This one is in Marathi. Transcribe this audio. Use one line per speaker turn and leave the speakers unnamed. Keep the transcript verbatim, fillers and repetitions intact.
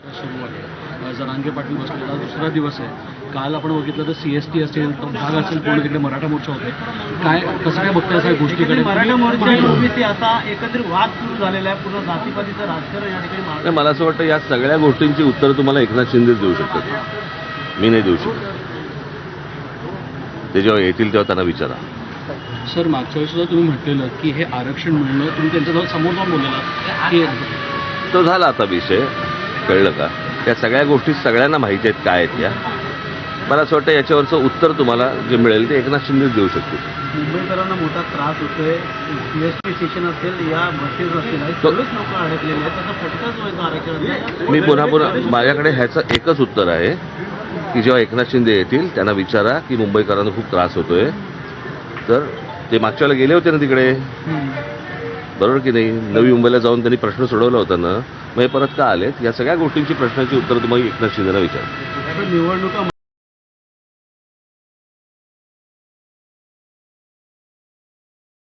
सुरू आहे. जरांगे पाटील बसलेला दुसरा दिवस आहे. काल आपण बघितलं तर सी एस टी असेल, तो भाग असेल, पूर्ण तिकडे मराठा मोर्चा होते. काय कसं काय बघताय सगळ्या गोष्टीकडे?
मराठा मोर्चा आणि ओबीसी असा एकत्रित वाद सुरू झालेला आहे. पूर्ण जातीपातीचं राजकारण या ठिकाणी मागे.
नाही, मला असं वाटतं या सगळ्या गोष्टींची उत्तरं तुम्हाला एकनाथ शिंदेच देऊ शकतात, मी नाही देऊ शकत. ते जेव्हा येतील तेव्हा त्यांना विचारा.
सर, मागच्या वेळेस सुद्धा तुम्ही म्हटलेलं की हे आरक्षण मिळणं, तुम्ही त्यांच्याजवळ समोर जाऊन बोललेला की
तो झाला आता विषय, कळलं का? त्या सगळ्या गोष्टी सगळ्यांना माहिती आहेत काय आहेत त्या. मला असं वाटतं याच्यावरचं उत्तर तुम्हाला जे मिळेल ते एकनाथ शिंदेच देऊ शकतील.
मुंबईकरांना मोठा त्रास होतोय. सीएसटी स्टेशन असेल, या बसेस असतील, सगळेच लोक अडकलेले आहेत. त्याचा फटकाच व्हायचा आरक्षण.
मी पुन्हा पुन्हा माझ्याकडे ह्याचं एकच उत्तर आहे की जेव्हा एकनाथ शिंदे येतील त्यांना विचारा की मुंबईकरांना खूप त्रास होतोय. तर ते मागच्या वेळेला गेले होते ना तिकडे, बरोबर की नाही? नवी मुंबईला जाऊन त्यांनी प्रश्न सोडवला होता ना, मग हे परत का आलेत? या सगळ्या गोष्टींची प्रश्नाची उत्तर तुम्हाला एकनाथ शिंदेला विचारा.
निवडणुका